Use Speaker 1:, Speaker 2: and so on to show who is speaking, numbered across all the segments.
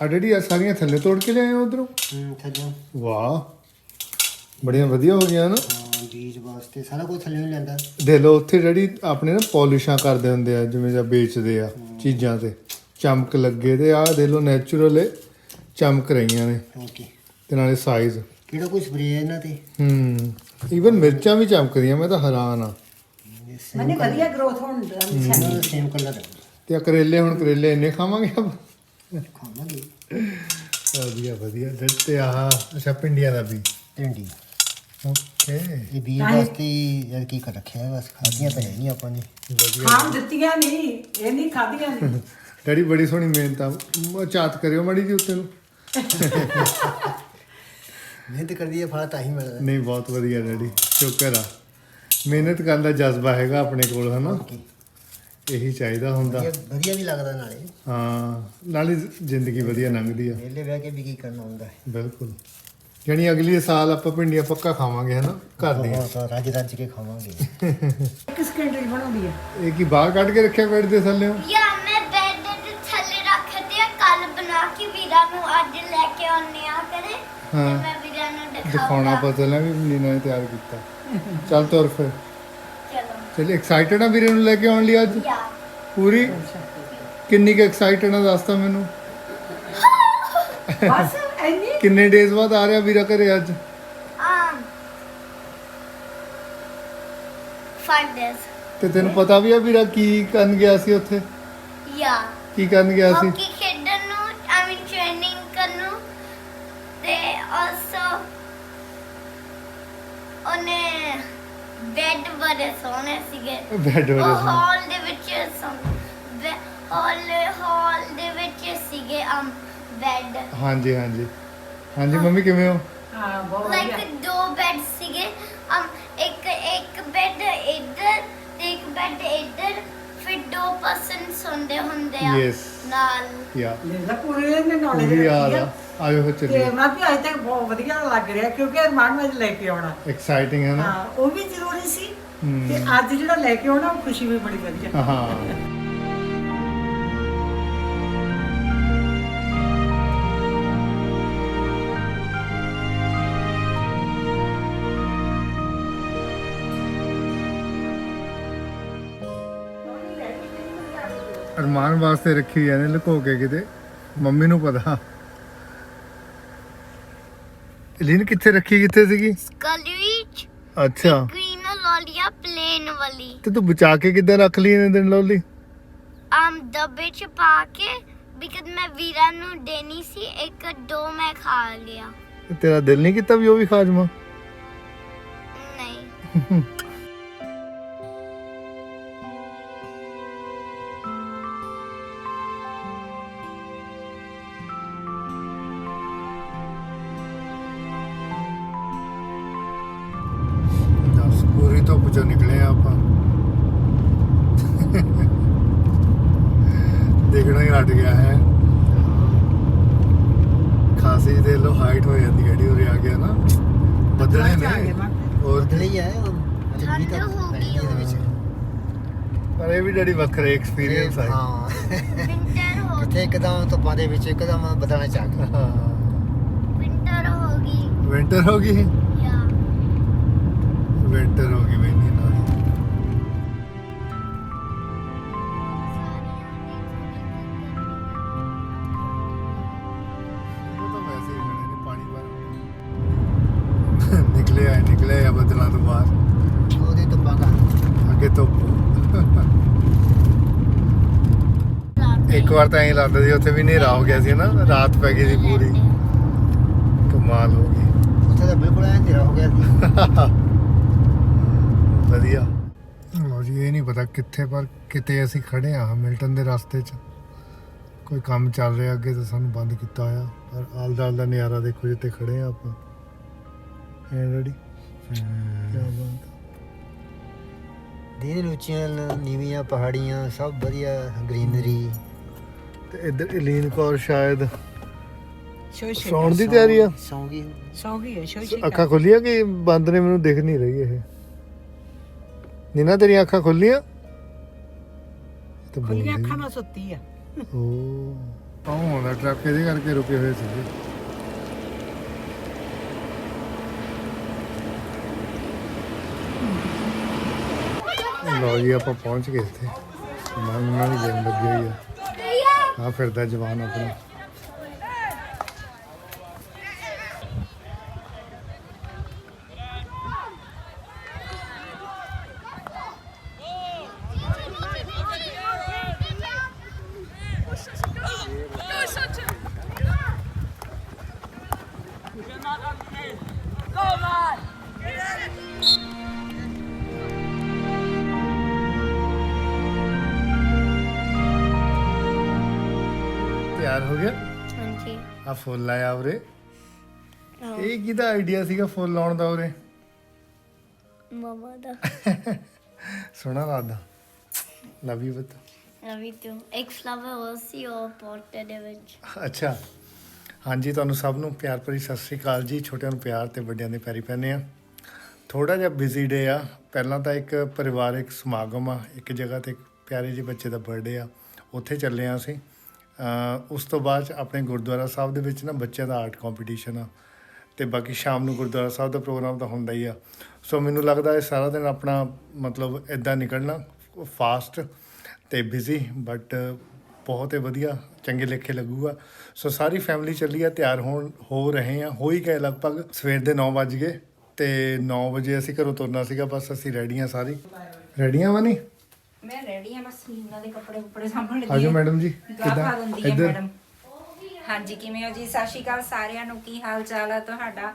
Speaker 1: ਆ ਡੈਡੀ ਆ ਸਾਰੀਆਂ ਥੱਲੇ ਤੋੜ ਕੇ ਲਿਆਏ ਉਧਰੋਂ।
Speaker 2: ਥੱਲੇ
Speaker 1: ਵਾਹ ਬੜੀਆਂ ਵਧੀਆ ਹੋ ਗਈਆਂ ਨਾ।
Speaker 2: ਹਾਂ ਬੀਜ ਵਾਸਤੇ ਸਾਰਾ ਕੁਝ ਥੱਲੇ ਲੈਂਦਾ।
Speaker 1: ਦੇ ਲੋ ਉੱਥੇ ਡੈਡੀ ਆਪਣੇ ਨਾ ਪੋਲਿਸ਼ਾਂ ਕਰਦੇ ਹੁੰਦੇ ਆ ਜਿਵੇਂ ਜਾਂ ਵੇਚਦੇ ਆ ਚੀਜ਼ਾਂ ਤੇ ਚਮਕ ਲੱਗੇ ਤੇ ਆਹ ਦੇ ਲੋ ਨੈਚੁਰਲ ਚਮਕ ਰਹੀਆਂ ਨੇ
Speaker 2: ਓਕੇ
Speaker 1: ਤੇ ਨਾਲੇ ਸਾਈਜ਼
Speaker 2: ਕਿਹੜਾ ਕੋਈ ਸਪਰੇਅ ਇਹਨਾਂ ਤੇ
Speaker 1: ਈਵਨ ਮਿਰਚਾਂ ਵੀ ਚਮਕਦੀਆਂ ਮੈਂ ਤਾਂ ਹੈਰਾਨ ਆ।
Speaker 3: ਮਨੇ ਵਧੀਆ ਗਰੋਥ ਹੋਣ ਦਾ
Speaker 2: ਸੇਮ ਕਲਰ
Speaker 1: ਤੇ ਆ ਕਰੇਲੇ ਹੁਣ ਕਰੇਲੇ ਇੰਨੇ ਖਾਵਾਂਗੇ ਆਪਾਂ
Speaker 2: ਖਾਵਾਂਗੇ।
Speaker 1: ਵਧੀਆ ਵਧੀਆ ਤੇ ਆਹ ਅੱਛਾ ਪਿੰਡੀਆਂ ਦਾ ਵੀ
Speaker 2: ਟਿੰਡੀ
Speaker 1: ਓਕੇ
Speaker 2: ਇਹ ਬੀਜ ਵਾਸਤੇ ਯਾਰ ਕੀ ਕਰ ਰੱਖਿਆ ਹੈ, ਬਸ ਖਾਧੀਆਂ ਤਾਂ ਹੈ ਨਹੀਂ ਆਪਾਂ ਨੇ।
Speaker 3: ਖਾਣ ਦਿੱਤੀਆਂ ਨਹੀਂ ਇਹ ਨਹੀਂ ਖਾਧੀਆਂ ਨਹੀਂ।
Speaker 1: ਡੈਡੀ ਬੜੀ ਸੋਹਣੀ ਮਿਹਨਤ ਆ ਚਾਤ ਕਰਿਓ ਮਾੜੀ ਜੀ ਉੱਤੇ ਨੂੰ।
Speaker 2: ਮਿਹਨਤ ਕਰਦੀ ਹੈ ਫਲ ਤਾਂ ਹੀ ਮਿਲਦਾ।
Speaker 1: ਨਹੀਂ ਬਹੁਤ ਵਧੀਆ ਡੈਡੀ ਸ਼ੁਕਰ ਆ ਮਿਹਨਤ ਕਰਨ ਦਾ ਜਜ਼ਬਾ ਹੈਗਾ ਆਪਣੇ ਕੋਲ ਹਨਾ ਇਹੀ ਚਾਹੀਦਾ ਹੁੰਦਾ।
Speaker 2: ਵਧੀਆ ਵੀ ਲੱਗਦਾ ਨਾਲੇ
Speaker 1: ਹਾਂ ਨਾਲੇ ਜ਼ਿੰਦਗੀ ਵਧੀਆ ਲੰਘਦੀ ਆ।
Speaker 2: ਵਿਹਲੇ ਬਹਿ ਕੇ ਵੀ ਕੀ ਕਰਨਾ ਹੁੰਦਾ ਹੈ।
Speaker 1: ਬਿਲਕੁਲ ਯਾਨੀ ਅਗਲੇ ਸਾਲ ਆਪਾਂ ਭਿੰਡੀਆਂ ਪੱਕਾ ਖਾਵਾਂਗੇ ਹਨਾ ਘਰ ਦੀਆਂ।
Speaker 2: ਬਹੁਤ ਰੱਜ ਰੱਜ ਕੇ ਖਾਵਾਂਗੇ।
Speaker 3: ਕਿਸ ਕੰਟਰੀ ਬਣਾਉਂਦੀ ਆ
Speaker 1: ਇਹ ਕੀ ਬਾਹਰ ਕੱਢ ਕੇ ਰੱਖਿਆ ਬੈੱਡ ਦੇ ਥੱਲੇ
Speaker 4: ਯਾ ਮੈਂ ਬੈੱਡ ਦੇ ਥੱਲੇ ਰੱਖਦੇ ਆ ਕੱਲ ਬਣਾ ਕੇ ਵੀਰਾ ਨੂੰ ਅੱਜ ਲੈ ਕੇ ਆਉਣੇ ਆ ਕਰੇ ਤੇ
Speaker 1: ਹਾਂ।
Speaker 4: ਮੈਂ ਵੀਰਾ ਨੂੰ
Speaker 1: ਦਿਖਾਉਣਾ
Speaker 4: ਦਿਖਾਉਣਾ।
Speaker 1: ਪਤਾ ਲੱਗਾ ਵੀ ਨੀਨਾ ਨੇ ਤਿਆਰ ਕੀਤਾ। ਚੱਲ ਤੁਰ ਫਿਰ
Speaker 4: ਚਲੋ
Speaker 1: ਚਲ ਐਕਸਾਈਟਡ ਆ ਵੀਰੇ ਨੂੰ ਲੈ ਕੇ ਆਉਣ ਲਈ ਅੱਜ
Speaker 4: ਯਾ
Speaker 1: ਪੂਰੀ ਕਿੰਨੀ ਕੁ ਐਕਸਾਈਟਡ ਆ ਦੱਸ ਤਾਂ ਮੈਨੂੰ।
Speaker 3: ਬਸ ਐਨੀ
Speaker 1: ਕਿੰਨੇ ਡੇਜ਼ ਬਾਅਦ ਆ ਰਿਹਾ ਵੀਰਾ ਘਰੇ ਅੱਜ।
Speaker 4: 5 days
Speaker 1: ਤੇ ਤੈਨੂੰ ਪਤਾ ਵੀ ਆ ਵੀਰਾ ਕੀ ਕਰਨ ਗਿਆ ਸੀ ਉੱਥੇ
Speaker 4: ਯਾ
Speaker 1: ਕੀ ਕਰਨ ਗਿਆ ਸੀ।
Speaker 4: ਹਾਕੀ ਖੇਡਣ ਨੂੰ ਆਈ ਮੀਨ ਟ੍ਰੇਨਿੰਗ ਕਰਨ ਨੂੰ ਤੇ ਆਲਸੋ ਉਹਨੇ ਬੈੱਡ ਬੜੇ ਸੋਹਣੇ ਸੀਗੇ।
Speaker 1: ਬੈੱਡ
Speaker 4: ਉਹ
Speaker 1: ਵਜੇ
Speaker 4: ਹਾਲ ਦੇ ਵਿੱਚ ਹਾਲ ਦੇ ਵਿੱਚ ਸੀਗੇ ਬੈੱਡ
Speaker 1: ਹਾਂਜੀ ਹਾਂਜੀ ਹਾਂਜੀ ਮੰਮੀ ਕਿਵੇਂ ਹੋ।
Speaker 3: ਹਾਂ ਬਹੁਤ
Speaker 4: ਲਾਈਕ
Speaker 3: ਵਧੀਆ
Speaker 4: 2 ਬੈੱਡ ਸੀਗੇ ਇੱਕ ਬੈੱਡ ਇੱਧਰ ਤੇ ਇੱਕ ਬੈੱਡ ਇੱਧਰ ਫਿਰ 2 ਪਰਸਨ ਸੌਂਦੇ ਹੁੰਦੇ ਆ
Speaker 1: Yes.
Speaker 4: ਨਾਲ
Speaker 1: ਯਾ
Speaker 3: ਲੈ ਪੂਰੇ ਨੇ ਨੌਲੇਜ
Speaker 1: ਪੂਰੀ ਯਾਦ ਆ ਆਜੋ ਫਿਰ
Speaker 3: ਤੇ
Speaker 1: ਚੱਲੀਏ।
Speaker 3: ਮੈਂ ਵੀ ਅੱਜ ਤੱਕ ਬਹੁਤ ਵਧੀਆ ਲੱਗ ਰਿਹਾ ਕਿਉਂਕਿ ਅਰਮਾਨ ਵਿੱਚ ਲੈ ਕੇ ਆਉਣਾ
Speaker 1: ਐਕਸਾਈਟਿੰਗ ਹੈ ਨਾ।
Speaker 3: ਹਾਂ ਉਹ ਵੀ ਜ਼ਰੂਰੀ ਸੀ
Speaker 1: ਹਮ।
Speaker 3: ਤੇ ਅੱਜ ਜਿਹੜਾ ਲੈ ਕੇ ਆਉਣਾ ਉਹ ਖੁਸ਼ੀ ਵੀ ਬੜੀ ਵਧੀਆ।
Speaker 1: ਹਾਂ ਅਰਮਾਨ ਵਾਸਤੇ ਰੱਖੀ ਜਾਂਦੇ ਲੁਕੋ ਕੇ ਕਿਤੇ ਮੰਮੀ ਨੂੰ ਪਤਾ। ਲੀਨ ਕਿੱਥੇ ਰੱਖੀ ਕਿੱਥੇ ਸੀਗੀ।
Speaker 4: ਸਕਲਵੀਚ
Speaker 1: ਅੱਛਾ
Speaker 4: ਗ੍ਰੀਨ ਲੋਲੀਆ ਪਲੇਨ ਵਾਲੀ
Speaker 1: ਤੇ ਤੂੰ ਬਚਾ ਕੇ ਕਿੱਦਾਂ ਰੱਖ ਲਈ ਇਹਨੇ ਦਿਨ ਲੋਲੀ।
Speaker 4: ਡੱਬੇ ਚ ਪਾ ਕੇ ਬਿਕਜ਼ ਮੈਂ ਵੀਰਾ ਨੂੰ ਦੇਣੀ ਸੀ 1-2 ਮੈਂ ਖਾ ਲਿਆ।
Speaker 1: ਤੇ ਤੇਰਾ ਦਿਲ ਨਹੀਂ ਕੀਤਾ ਵੀ ਉਹ ਵੀ ਖਾ ਜਾਵਾਂ।
Speaker 4: ਨਹੀਂ
Speaker 1: ਦੱਸ ਪੂਰੀ ਧੁੱਪ ਚੋਂ ਨਿਕਲੇ ਆ ਆਪਾਂ। ਦੇਖਣਾ ਹੀ ਹਟ ਗਿਆ ਹੈ। ਖਾਸੀ ਦੇ ਲੋ ਹਾਈਟ ਹੋ ਜਾਂਦੀ ਜਿਹੜੀ ਉਰੇ ਆ ਗਿਆ ਨਾ ਬੱਦਲੇ ਨੇ ਹੋਰ
Speaker 2: ਬਦਲ ਹੀ ਆਇਆ
Speaker 4: ਠੰਡ ਹੋ ਗਈ
Speaker 2: ਇਹਦੇ ਵਿੱਚ।
Speaker 1: ਪਰ ਇਹ ਵੀ ਜਿਹੜੀ ਵੱਖਰੇ ਐਕਸਪੀਰੀਅੰਸ ਆ।
Speaker 2: ਹਾਂ
Speaker 4: ਵਿੰਟਰ ਹੋ
Speaker 2: ਕਿਤੇ ਇੱਕਦਮ ਧੁੱਪਾਂ ਦੇ ਵਿੱਚ ਇੱਕਦਮ ਬਦਲਣਾ ਚਾਹ ਗਿਆ।
Speaker 1: ਹਾਂ
Speaker 4: ਵਿੰਟਰ ਹੋ ਗਈ
Speaker 1: ਵਿੰਟਰ ਹੋ ਗਈ
Speaker 4: ਯਾ
Speaker 1: ਵਿੰਟਰ ਹੋ ਗਈ ਮੈਨੀ ਨਾਲ ਉਹ ਤਾਂ ਵੈਸੇ ਹੀ ਖੜੇ ਨੇ ਪਾਣੀ ਭਰ ਨਿਕਲੇ ਆ ਬੱਦਲਾਂ ਤੋਂ ਬਾਹਰ
Speaker 2: ਉਹਦੀ ਧੁੱਪਾਂ ਦਾ
Speaker 1: ਅੱਗੇ ਧੁੱਪ। ਇੱਕ ਵਾਰ ਤਾਂ ਐਂ ਲੱਗਦਾ ਸੀ ਉੱਥੇ ਵੀ ਹਨੇਰਾ ਹੋ ਗਿਆ ਸੀ ਨਾ ਰਾਤ ਪੈ ਗਈ ਸੀ ਪੂਰੀ ਕਮਾਲ ਹੋ ਗਈ।
Speaker 2: ਉੱਥੇ ਤਾਂ ਬਿਲਕੁਲ ਐਂ ਹਨੇਰਾ ਹੋ ਗਿਆ ਸੀ।
Speaker 1: ਵਧੀਆ ਲੋ ਜੀ ਇਹ ਨਹੀਂ ਪਤਾ ਕਿੱਥੇ ਪਰ ਕਿਤੇ ਅਸੀਂ ਖੜੇ ਆ ਮਿਲਟਨ ਦੇ ਰਸਤੇ 'ਚ ਕੋਈ ਕੰਮ ਚੱਲ ਰਿਹਾ ਅੱਗੇ ਤਾਂ ਸਾਨੂੰ ਬੰਦ ਕੀਤਾ ਹੋਇਆ ਪਰ ਆਲ ਦਾ ਨਜ਼ਾਰਾ ਦੇਖੋ ਜਿੱਥੇ ਖੜੇ ਆ ਆਪਾਂ ਹੈ ਰੈਡੀ ਕੀ ਬਾਤ
Speaker 2: ਦਿਨ ਉੱਚੀਆਂ ਨੀਵੀਆਂ ਪਹਾੜੀਆਂ ਸਭ ਵਧੀਆ ਗ੍ਰੀਨਰੀ।
Speaker 1: ਤੇ ਇੱਧਰ ਇਲੀਨ ਕੌਰ ਸ਼ਾਇਦ
Speaker 3: ਸ਼ੋਸ਼ੇ
Speaker 1: ਸੌਣ ਦੀ ਤਿਆਰੀ ਆ।
Speaker 2: ਸੌਂ ਗਈ
Speaker 3: ਸੌਂ ਗਈ ਹੈ ਸ਼ੋਸ਼ੇ
Speaker 1: ਅੱਖਾਂ ਖੁੱਲੀਆਂ ਕਿ ਬੰਦ ਨੇ ਮੈਨੂੰ ਦਿਖ ਨਹੀਂ ਰਹੀ ਇਹ ਨੀਨਾ ਤੇਰੀਆਂ ਅੱਖਾਂ ਖੁੱਲੀਆਂ ਤੇ
Speaker 3: ਖੁੱਲੀਆਂ
Speaker 1: ਬੋਲਦੀ
Speaker 3: ਅੱਖਾਂ ਨਾਲ ਸੁੱਤੀ ਆ।
Speaker 1: ਓ ਆਹ ਆਉਂਦਾ ਟਰੱਕ, ਇਹਦੇ ਕਰਕੇ ਰੁਕੇ ਹੋਏ ਸੀਗੇ। ਲਓ ਜੀ ਆਪਾਂ ਪਹੁੰਚ ਗਏ ਇੱਥੇ। ਸਮਾਨ ਉਹਨਾਂ ਦੀ ਗੇਮ ਲੱਗੀ ਹੋਈ ਆ। ਆਹ ਫਿਰਦਾ ਜਵਾਨ ਆਪਣਾ। ਤਿਆਰ ਹੋ ਗਿਆ?
Speaker 4: ਹਾਂਜੀ
Speaker 1: ਆ ਫੁੱਲ ਲਾਇਆ ਉਰੇ। ਇਹ ਕਿਹਦਾ ਆਈਡੀਆ ਸੀਗਾ ਫੁੱਲ ਲਾਉਣ ਦਾ ਉਰੇ?
Speaker 4: ਮਮਾ ਦਾ।
Speaker 1: ਸੋਹਣਾ ਲੱਗਦਾ। ਲਵ ਯੂ ਬਤ।
Speaker 4: Love you too. ਇੱਕ ਫਲਾਵਰ ਹੋਰ ਸੀ ਉਹ ਪੋਟ ਦੇ ਵਿੱਚ।
Speaker 1: ਅੱਛਾ ਹਾਂਜੀ, ਤੁਹਾਨੂੰ ਸਭ ਨੂੰ ਪਿਆਰ ਭਰੀ ਸਤਿ ਸ੍ਰੀ ਅਕਾਲ ਜੀ। ਛੋਟਿਆਂ ਨੂੰ ਪਿਆਰ ਤੇ ਵੱਡਿਆਂ ਦੇ ਪੈਰੀ ਪੈਂਦੇ ਆ। ਥੋੜਾ ਜਿਹਾ ਬਿਜ਼ੀ ਡੇ ਆ। ਪਹਿਲਾਂ ਤਾਂ ਇੱਕ ਪਰਿਵਾਰਿਕ ਸਮਾਗਮ ਆ, ਇੱਕ ਜਗ੍ਹਾ ਤੇ ਪਿਆਰੇ ਜਿਹੇ ਬੱਚੇ ਦਾ ਬਰਥਡੇ ਆ, ਉੱਥੇ ਚੱਲੇ ਆ ਅਸੀਂ। ਉਸ ਤੋਂ ਬਾਅਦ 'ਚ ਆਪਣੇ ਗੁਰਦੁਆਰਾ ਸਾਹਿਬ ਦੇ ਵਿੱਚ ਨਾ ਬੱਚਿਆਂ ਦਾ ਆਰਟ ਕੰਪੀਟੀਸ਼ਨ ਆ, ਅਤੇ ਬਾਕੀ ਸ਼ਾਮ ਨੂੰ ਗੁਰਦੁਆਰਾ ਸਾਹਿਬ ਦਾ ਪ੍ਰੋਗਰਾਮ ਤਾਂ ਹੁੰਦਾ ਹੀ ਆ। ਸੋ ਮੈਨੂੰ ਲੱਗਦਾ ਇਹ ਸਾਰਾ ਦਿਨ ਆਪਣਾ ਮਤਲਬ ਇੱਦਾਂ ਨਿਕਲਣਾ ਫਾਸਟ ਅਤੇ ਬਿਜ਼ੀ, ਬਟ ਬਹੁਤ ਹੀ ਵਧੀਆ, ਚੰਗੇ ਲੇਖੇ ਲੱਗੂਗਾ। ਸੋ ਸਾਰੀ ਫੈਮਿਲੀ ਚੱਲੀ ਆ, ਤਿਆਰ ਹੋ ਰਹੇ ਆ, ਹੋ ਹੀ ਗਏ ਲਗਭਗ। ਸਵੇਰ ਦੇ 9 ਵੱਜ ਗਏ ਅਤੇ 9 ਵਜੇ ਅਸੀਂ ਘਰੋਂ ਤੁਰਨਾ ਸੀਗਾ। ਬਸ ਅਸੀਂ ਰੈਡੀ ਹਾਂ, ਸਾਰੀ ਰੈਡੀਆਂ ਵਾ ਨਹੀਂ?
Speaker 5: ਮੈਂ ਰੈਡੀ ਆ, ਬਸ ਲੀਨਾ ਦੇ ਕੱਪੜੇ ਸਾਂਭਣ ਲੱਗੀ
Speaker 1: ਆਜੋ ਮੈਡਮ ਜੀ।
Speaker 5: ਕਿੱਦਾਂ ਦਿੰਦੀ ਹੈ
Speaker 1: ਇੱਧਰ
Speaker 5: ਮੈਡਮ? ਹਾਂਜੀ ਕਿਵੇਂ ਹੋ ਜੀ? ਸਤਿ ਸ਼੍ਰੀ ਅਕਾਲ ਸਾਰਿਆਂ ਨੂੰ। ਕੀ ਹਾਲ ਚਾਲ ਆ ਤੁਹਾਡਾ?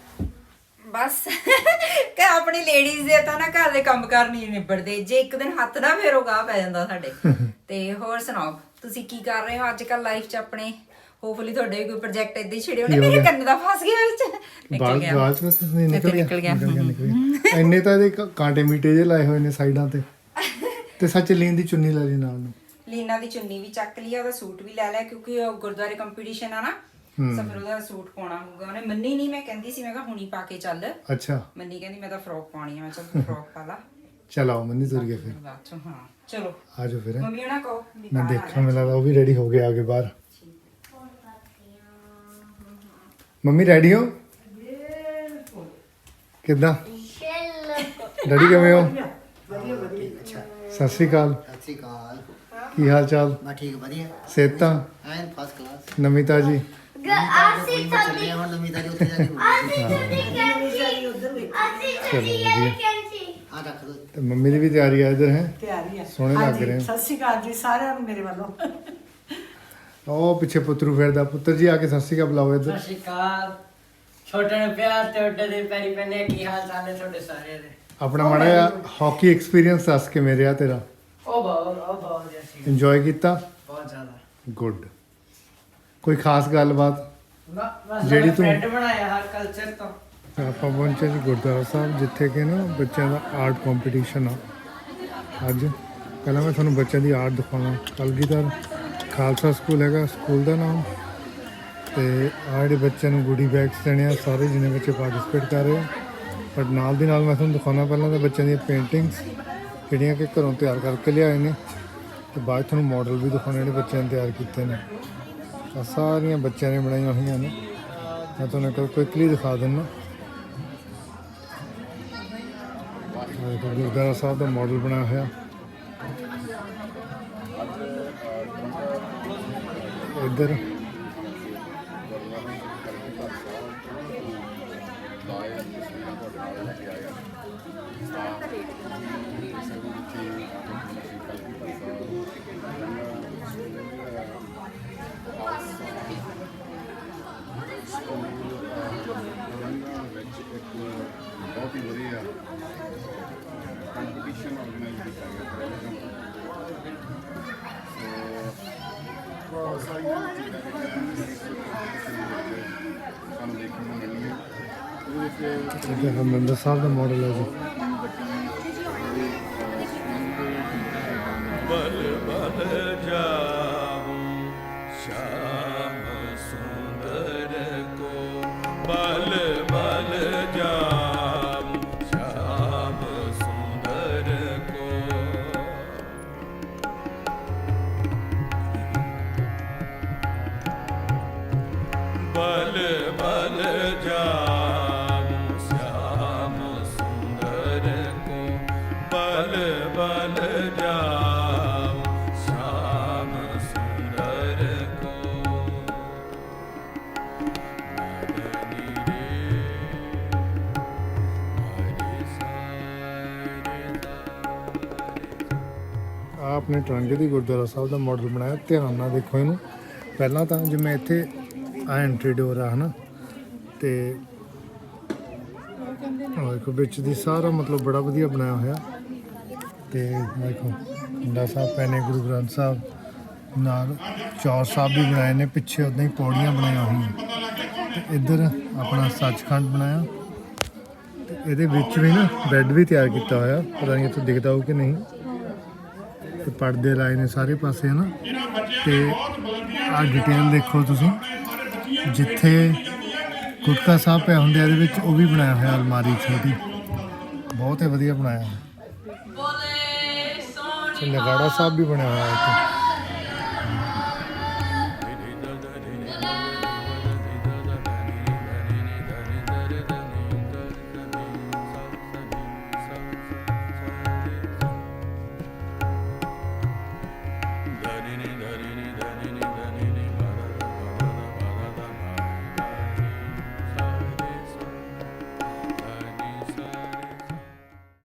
Speaker 5: ਬਸ ਕਿ ਆਪਣੀ ਲੇਡੀਜ਼ ਦੇ ਤਾਂ ਨਾ ਘਰ ਦੇ ਕੰਮ ਕਾਰ ਨਹੀਂ ਨਿਬੜਦੇ। ਜੇ ਇੱਕ ਦਿਨ ਹੱਥ ਨਾ ਫੇਰੋ ਗਾਹ ਪੈ ਜਾਂਦਾ ਸਾਡੇ। ਤੇ ਹੋਰ ਸੁਣਾਓ, ਤੁਸੀਂ ਕੀ ਕਰ ਰਹੇ ਹੋ ਅੱਜ ਕੱਲ ਲਾਈਫ 'ਚ ਆਪਣੇ? ਹੋਪਫੁਲੀ ਤੁਹਾਡੇ ਵੀ ਕੋਈ ਪ੍ਰੋਜੈਕਟ ਇਦਾਂ ਹੀ ਛਿੜੇ ਹੋਣੇ। ਮੇਰੇ ਕੰਨ ਦਾ ਫਸ ਗਿਆ ਵਿੱਚ, ਨਿਕਲ ਗਿਆ।
Speaker 1: ਬਾਲ ਬਸ ਨਿਕਲ ਗਿਆ। ਇੰਨੇ ਤਾਂ ਇਹਦੇ ਕਾਂਟੇ ਮੀਟੇ ਜਿਹੇ ਲਾਏ ਹੋਏ ਨੇ ਸਾਈਡਾਂ ਤੇ ਸੱਚ ਲੀਨ ਦੀ ਚੁੰਨੀ ਲੈ ਲਈ ਨਾਲ ਨੂੰ।
Speaker 5: ਲੀਨਾ ਦੀ ਚੁੰਨੀ ਵੀ ਚੱਕ ਲਈ, ਉਹਦਾ ਸੂਟ ਵੀ ਲੈ ਲਿਆ ਕਿਉਂਕਿ ਉਹ ਗੁਰਦੁਆਰੇ ਕੰਪੀਟੀਸ਼ਨ ਆ ਨਾ, ਸੋ ਫਿਰ ਉਹਦਾ ਸੂਟ ਪਾਉਣਾ ਹੋਊਗਾ। ਉਹਨੇ ਮੰਨੀ ਨਹੀਂ, ਮੈਂ ਕਹਿੰਦੀ ਸੀ, ਮੈਂ ਕਿਹਾ ਹੁਣੀ ਪਾ ਕੇ ਚੱਲ।
Speaker 1: ਅੱਛਾ
Speaker 5: ਮੰਨੀ ਕਹਿੰਦੀ ਮੈਂ ਤਾਂ ਫਰੋਕ ਪਾਉਣੀ ਆ। ਮੈਂ ਚੱਲ ਫਰੋਕ ਪਾ ਲਾ।
Speaker 1: ਚਲ ਆਓ ਮੰਨੀ ਤੁਰ ਗਿਆ ਫਿਰ।
Speaker 5: ਬਾਅਦ ਚੋਂ ਹਾਂ ਚਲੋ
Speaker 1: ਆ ਜਾਓ ਫਿਰ।
Speaker 5: ਮੰਮੀ ਉਹਨਾਂ ਕਹੋ ਵੀ
Speaker 1: ਮੈਂ
Speaker 5: ਬਾਹਰ ਆ
Speaker 1: ਦੇਖਾਂ, ਮੈਨੂੰ ਲੱਗਦਾ ਉਹ ਵੀ ਰੈਡੀ ਹੋ ਗਏ ਆਗੇ ਬਾਹਰ। ਮੰਮੀ ਰੈਡੀ ਹੋ? ਕਿੱਦਾਂ ਡੈਡੀ, ਕਿਵੇਂ ਹੋ? ਸਤਿ ਸ਼੍ਰੀ ਅਕਾਲ।
Speaker 2: ਸਤਿ ਸ਼੍ਰੀ ਅਕਾਲ।
Speaker 1: ਕੀ ਹਾਲ ਚਾਲ?
Speaker 2: ਮੈਂ ਠੀਕ ਵਧੀਆ,
Speaker 1: ਸਿਹਤਾਂ
Speaker 2: ਐਨ ਫਸਟ ਕਲਾਸ।
Speaker 1: ਨਵੀਂ ਤਾਜੀ?
Speaker 4: ਅਸੀਂ
Speaker 2: ਚੱਲੇ ਹੁਣ ਨਵੀਂ ਦਾ ਉੱਥੇ ਜਾ ਕੇ ਹੋਣੀ।
Speaker 1: ਚਲੋ ਵਧੀਆ।
Speaker 2: ਆ ਰੱਖ ਦੋ।
Speaker 1: ਤੇ ਮੰਮੀ ਦੀ ਵੀ ਤਿਆਰੀ ਆ ਇੱਧਰ ਹੈ।
Speaker 3: ਤਿਆਰੀ ਆ।
Speaker 1: ਸੋਹਣੇ ਲੱਗ
Speaker 3: ਹਾਂਜੀ,
Speaker 1: ਰਹੇ ਆ।
Speaker 3: ਸਤਿ ਸ਼੍ਰੀ ਅਕਾਲ ਜੀ ਸਾਰਿਆਂ ਨੂੰ ਮੇਰੇ ਵੱਲੋਂ।
Speaker 1: ਉਹ ਪਿੱਛੇ ਪੁੱਤਰੂ ਫਿਰਦਾ। ਪੁੱਤਰ ਜੀ ਆ ਕੇ ਸਤਿ ਸ਼੍ਰੀ ਅਕਾਲ ਬੁਲਾਓ ਇੱਧਰ।
Speaker 6: ਸਤਿ ਸ਼੍ਰੀ ਅਕਾਲ। ਛੋਟੇ ਨੂੰ ਪਿਆਰ ਤੇ ਵੱਡੇ ਦੇ ਪੈਰੀ ਪੈਣੇ। ਕੀ ਹਾਲ ਚਾਲ ਹੈ ਤੁਹਾਡੇ ਸਾਰਿਆਂ ਦੇ?
Speaker 1: ਆਪਣਾ ਮਾੜਾ ਜਿਹਾ ਹਾਕੀ ਐਕਸਪੀਰੀਅੰਸ ਦੱਸ ਕਿਵੇਂ ਰਿਹਾ ਤੇਰਾ?
Speaker 6: ਉਹ ਬਹੁਤ ਜੈਸੀ
Speaker 1: ਇੰਜੋਏ ਕੀਤਾ?
Speaker 6: ਬਹੁਤ ਜ਼ਿਆਦਾ।
Speaker 1: ਗੁੱਡ। ਕੋਈ ਖਾਸ ਗੱਲਬਾਤ
Speaker 6: ਬਸ
Speaker 1: ਜਿਹੜੀ ਤੂੰ-
Speaker 6: ਫਰੈਂਡ ਬਣਾਇਆ ਹਰ ਕਲਚਰ ਤੋਂ।
Speaker 1: ਆਪਾਂ ਪਹੁੰਚੇ ਜੀ ਗੁਰਦੁਆਰਾ ਸਾਹਿਬ, ਜਿੱਥੇ ਕਿ ਨਾ ਬੱਚਿਆਂ ਦਾ ਆਰਟ ਕੰਪੀਟੀਸ਼ਨ ਆ ਅੱਜ। ਪਹਿਲਾਂ ਮੈਂ ਤੁਹਾਨੂੰ ਬੱਚਿਆਂ ਦੀ ਆਰਟ ਦਿਖਾਵਾਂ। ਕਲਗੀਧਰ ਖਾਲਸਾ ਸਕੂਲ ਹੈਗਾ ਸਕੂਲ ਦਾ ਨਾਮ। ਤੇ ਆਹ ਜਿਹੜੇ ਬੱਚਿਆਂ ਨੂੰ ਗੁੱਡੀ ਬੈਗਸ ਦੇਣੇ ਆ, ਸਾਰੇ ਜਿੰਨੇ ਬੱਚੇ ਪਾਰਟਿਸਿਪੇਟ ਕਰ ਰਹੇ ਆ। ਬਟ ਨਾਲ ਦੀ ਨਾਲ ਮੈਂ ਤੁਹਾਨੂੰ ਦਿਖਾਉਣਾ ਪਹਿਲਾਂ ਤਾਂ ਬੱਚਿਆਂ ਦੀਆਂ ਪੇਂਟਿੰਗਸ ਜਿਹੜੀਆਂ ਕਿ ਘਰੋਂ ਤਿਆਰ ਕਰਕੇ ਲਿਆਏ ਨੇ, ਤੇ ਬਾਅਦ 'ਚ ਤੁਹਾਨੂੰ ਮਾਡਲ ਵੀ ਦਿਖਾਉਣੇ ਜਿਹੜੇ ਬੱਚਿਆਂ ਨੇ ਤਿਆਰ ਕੀਤੇ ਨੇ। ਆਹ ਸਾਰੀਆਂ ਬੱਚਿਆਂ ਨੇ ਬਣਾਈਆਂ ਹੋਈਆਂ ਨੇ। ਮੈਂ ਤੁਹਾਨੂੰ ਇੱਕ ਕੁਇਕਲੀ ਦਿਖਾ ਦਿੰਦਾ। ਗੁਰਦੁਆਰਾ ਸਾਹਿਬ ਦਾ ਮਾਡਲ ਬਣਾਇਆ ਹੋਇਆ ਇੱਧਰ।
Speaker 7: ਬਹੁਤ ਹੀ ਵਧੀਆ ਕੰਪੀਟੀਸ਼ਨ ਆਰਗੇਨਾਈਜ਼ ਕੀਤਾ ਗਿਆ। ਸੋ ਬਹੁਤ ਸਾਰੀਆਂ ਚੀਜ਼ਾਂ ਸਾਨੂੰ ਦੇਖਣ ਨੂੰ ਮਿਲੀਆਂ। ਉਹਦੇ ਵਿੱਚ
Speaker 1: ਇੱਧਰ ਹਰਿਮੰਦਰ ਸਾਹਿਬ ਦਾ ਮਾਡਲ ਹੈ ਜੀ।
Speaker 8: बल बल जाऊं श्याम सुंदर को, बल बल जाऊं श्याम सुंदर को। ਬਲ ਬਲ ਜਾਮੁ ਸ਼ਾਮ ਸੁੰਦਰ ਕੋ ਬਲ ਬਲ ਜਾਮੁ ਸ਼ਾਮ ਸੁੰਦਰ ਕੋ ਮਦਨੀ ਰੇ ਹਰਿ ਸਾਰੇ
Speaker 1: ਆ ਆਪਣੇ ਟਰੰਗੇ ਦੀ ਗੁਰਦੁਆਰਾ ਸਾਹਿਬ ਦਾ ਮਾਡਲ ਬਣਾਇਆ। ਧਿਆਨ ਨਾਲ ਦੇਖੋ ਇਹਨੂੰ। ਪਹਿਲਾਂ ਤਾਂ ਜਿਵੇਂ ਇੱਥੇ ਆ ਐਂਟਰੀ ਡੋਰ ਆ ਹਨਾ, ਤੇ ਆਹ ਦੇਖੋ ਵਿੱਚ ਦੀ ਸਾਰਾ ਮਤਲਬ ਬੜਾ ਵਧੀਆ ਬਣਾਇਆ ਹੋਇਆ। ਤੇ ਦੇਖੋ ਪਿੰਡਾ ਸਾਹਿਬ ਪੈਨੇ, ਗੁਰੂ ਗ੍ਰੰਥ ਸਾਹਿਬ ਨਾਲ ਚੌਰ ਸਾਹਿਬ ਵੀ ਬਣਾਏ ਨੇ, ਪਿੱਛੇ ਉਦਾਂ ਹੀ ਪੌੜੀਆਂ ਬਣਾਈਆਂ ਹੋਈਆਂ। ਤੇ ਇੱਧਰ ਆਪਣਾ ਸੱਚਖੰਡ ਬਣਾਇਆ, ਤੇ ਇਹਦੇ ਵਿੱਚ ਵੀ ਨਾ ਬੈੱਡ ਵੀ ਤਿਆਰ ਕੀਤਾ ਹੋਇਆ। ਪਤਾ ਨਹੀਂ ਇੱਥੇ ਦਿਖਦਾ ਹੋਊ ਕਿ ਨਹੀਂ। ਤੇ ਪਰਦੇ ਲਾਏ ਨੇ ਸਾਰੇ ਪਾਸੇ ਹਨਾ। ਤੇ ਆਹ ਡਿਟੇਲ ਦੇਖੋ ਤੁਸੀਂ, ਜਿੱਥੇ ਗੁਟਕਾ ਸਾਹਿਬ ਪਿਆ ਹੁੰਦੇ ਇਹਦੇ ਵਿੱਚ ਉਹ ਵੀ ਬਣਾਇਆ ਹੋਇਆ ਅਲਮਾਰੀ ਛੋਟੀ, ਬਹੁਤ ਹੀ ਵਧੀਆ ਬਣਾਇਆ। ਤੇ ਨਗਾੜਾ ਸਾਹਿਬ ਵੀ ਬਣਿਆ ਹੋਇਆ ਇੱਥੇ।